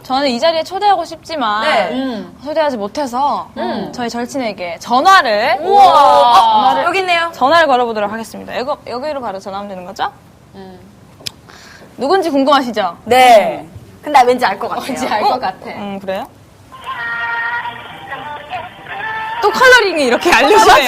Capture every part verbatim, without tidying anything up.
저는 이 자리에 초대하고 싶지만 네. 음. 초대하지 못해서 음. 저희 절친에게 전화를 우와. 어, 전화를, 여기 있네요. 전화를 걸어보도록 하겠습니다. 여기, 여기로 바로 전화하면 되는 거죠? 음. 누군지 궁금하시죠? 네. 근데 왠지 알 것 같아요. 왠지 알 것 같아. 음, 그래요? 또 컬러링이 이렇게 알려주네요.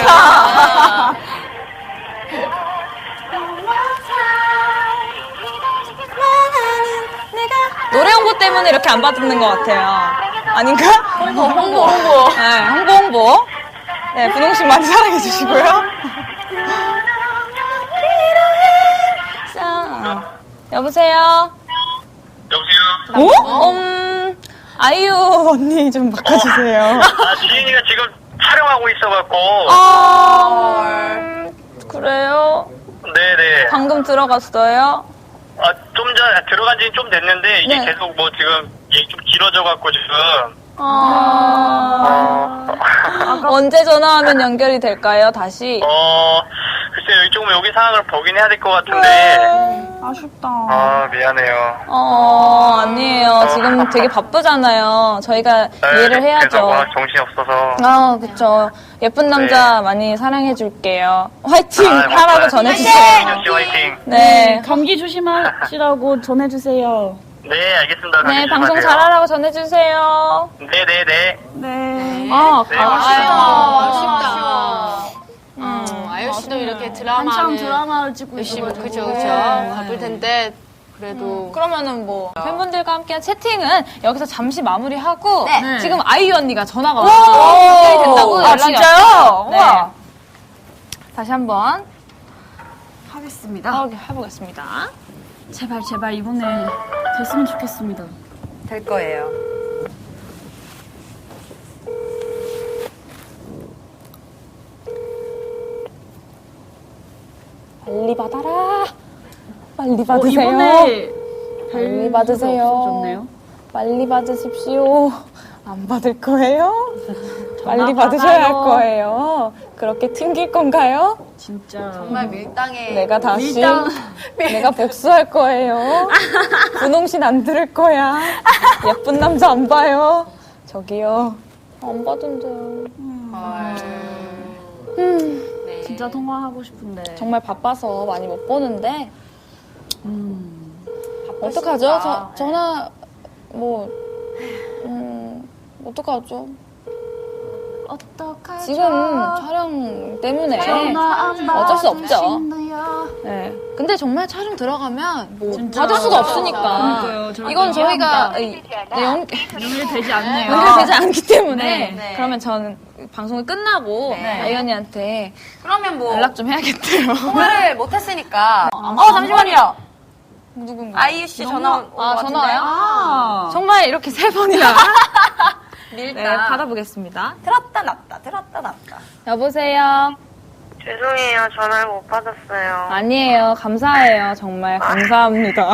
노래 홍보 때문에 이렇게 안 받는 것 같아요. 아닌가? 홍보, 홍보, 홍보. 네, 홍보, 홍보. 네, 분홍씨 많이 사랑해 주시고요. 여보세요? 여보세요? 어? 음, 아이유 언니 좀 바꿔주세요. 아, 지인이가 지금 촬영하고 있어갖고. 아, 음, 그래요? 네네. 방금 들어갔어요? 아, 좀 전, 들어간 지는 좀 됐는데, 이게 네. 계속 뭐 지금, 얘기 좀 길어져갖고 지금. 아, 언제 전화하면 연결이 될까요, 다시? 어, 글쎄요, 조금 여기 상황을 보긴 해야 될 것 같은데. 아쉽다. 아, 미안해요. 어, 아니에요. 지금 되게 바쁘잖아요. 저희가 네, 이해를 그래서 해야죠. 워낙 정신이 없어서. 아, 그쵸. 예쁜 남자 많이 사랑해줄게요. 화이팅! 아, 하라고 맞아요. 전해주세요. 민주 씨 화이팅. 네. 감기 조심하시라고 전해주세요. 네, 알겠습니다. 네, 감기 방송 조심하세요. 잘하라고 전해주세요. 네네네. 네. 아, 네, 아쉽다. 아쉽다. 음, 아유 씨도 이렇게 드라마는 한참 드라마를 찍고 열심히 있어가지고. 그죠 그죠 네. 바쁠 텐데 그래도 그러면은 뭐 팬분들과 함께한 채팅은 여기서 잠시 마무리하고 네. 지금 아이유 언니가 전화가 오! 연결이 된다고 아, 연락이 진짜요? 왔어요. 네. 우와. 다시 한번 하겠습니다. 어, 해보겠습니다. 제발 제발 이번에 됐으면 좋겠습니다. 될 거예요. 빨리 받아라. 빨리 어, 받으세요. 이번에 빨리 받으세요. 없어졌네요. 빨리 받으십시오. 안 받을 거예요? 빨리 전화 받으셔야 할 받아요. 거예요. 그렇게 튕길 건가요? 진짜 정말 밀당에 내가 다시 밀당. 내가 복수할 거예요. 분홍신 안 들을 거야. 예쁜 남자 안 봐요. 저기요. 안 받은대요. 음, 네. 진짜 통화하고 싶은데. 정말 바빠서 많이 못 보는데 음. 어떡하죠? 저, 전화 뭐 음, 어떡하죠? 어떡하죠? 지금 촬영 때문에 전화 안 어쩔 수 없죠. 받으신다요. 네. 근데 정말 촬영 들어가면 뭐 진짜. 받을 수가 없으니까 그러니까요. 저희가 이건 저희가 이해합니다. 이- 네, 연, 연결되지 않네요. 연결되지 않기 때문에 네. 네. 그러면 저는 방송이 끝나고 네. 아이언니한테 그러면 뭐 연락 좀 해야겠대요. 통화를 못 했으니까. 어, 잠시만요. 누군가? 아이유 씨 전화 온것 아, 같은데요? 전화요? 아. 정말 이렇게 세 번이나 밀당. 네, 받아보겠습니다. 들었다 놨다 들었다 놨다. 여보세요? 죄송해요. 전화를 못 받았어요. 아니에요. 감사해요. 정말 감사합니다.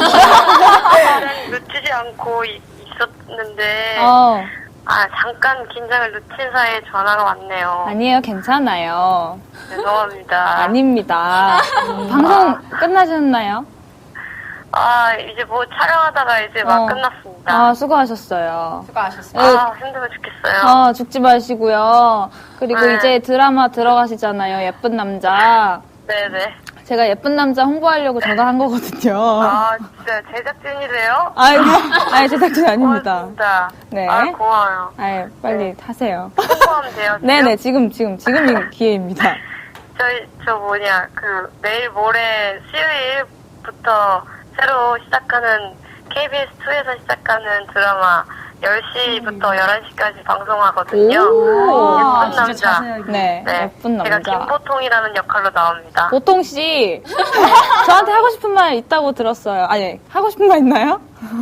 놓치지 않고 이- 있었는데, 어, 아, 잠깐 긴장을 놓친 사이에 전화가 왔네요. 아니에요. 괜찮아요. 죄송합니다. 아닙니다. 방송 끝나셨나요? 아, 이제 뭐 촬영하다가 이제 막 어. 끝났습니다. 아, 수고하셨어요. 수고하셨습니다. 네. 아, 힘들어 죽겠어요. 어, 죽지 마시고요. 그리고 네. 이제 드라마 들어가시잖아요. 예쁜 남자. 네네. 제가 예쁜 남자 홍보하려고 전화한 거거든요. 아, 진짜 제작진이래요? 아이, 아니, 제작진 아닙니다. 고맙습니다. 네. 아, 고마워요. 아이, 빨리 하세요. 홍보하면 돼요? 지금? 네네, 지금, 지금, 지금 기회입니다. 저희, 저 뭐냐, 그, 내일 모레 수요일부터 새로 시작하는 케이비에스투에서 시작하는 드라마 열 시부터 열한 시까지 방송하거든요. 오. 예쁜 진짜 남자. 자세하게. 네, 네. 예쁜 제가 남자. 김보통이라는 역할로 나옵니다. 보통씨, 저한테 하고 싶은 말 있다고 들었어요. 아니, 하고 싶은 말 있나요?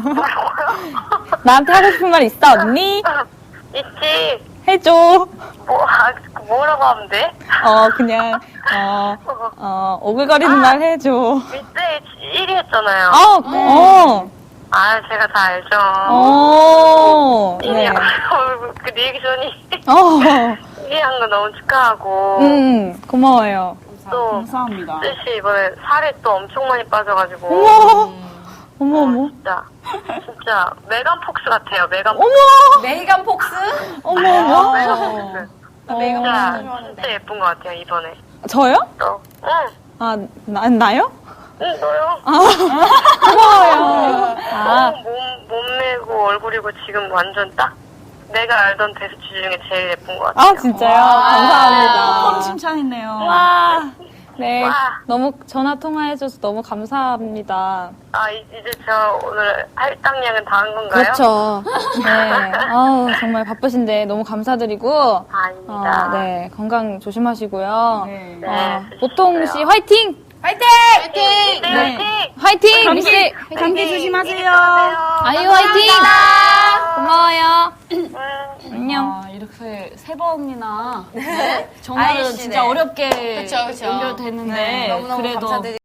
나한테 하고 싶은 말 있어, 언니? 있지? 해줘. 뭐, 아, 뭐라고 하면 돼? 어, 그냥, 어, 어, 오글거리는 말 해줘. 밑에 일 위 했잖아요. 어, 어, 아, 제가 다 알죠. 어, 일 위 네. 그 리액션이 어, 일 위 한 거 너무 축하하고. 음, 고마워요. 또, 감사합니다. 뜻이 이번에 살이 또 엄청 많이 빠져가지고. 어머, 어머, 어머. 진짜 진짜 메간 폭스 같아요. 메간 폭스. 어머! 메이간 폭스? 어머, 어머. 메간 폭스. 어. 진짜 진짜 예쁜 것 같아요 이번에. 저요? 너. 응. 아, 나, 나요? 응 너요. 고마워요. 아, 너무 몸 몸매고 얼굴이고 지금 완전 딱 내가 알던 데스티 중에 제일 예쁜 것 같아요. 아 진짜요? 감사합니다. 펌 칭찬했네요. 와, 네. 와. 너무 전화 통화해줘서 너무 감사합니다. 아 이- 이제 저 오늘 할당량은 다 한 건가요? 그렇죠. 네. 아우, 정말 바쁘신데 너무 감사드리고. 아닙니다. 어, 네. 건강 조심하시고요. 네. 네, 어, 조심하세요. 보통 씨 화이팅! 화이팅! 네, 네. 화이팅! 화이팅! 미씨! 감기 조심하세요. 아유, 화이팅! 고마워요. 음. 안녕. 아, 이렇게 세 번이나 전화를 아이씨, 진짜 네. 어렵게 그쵸, 그쵸. 연결됐는데 네, 너무너무 그래도 감사드리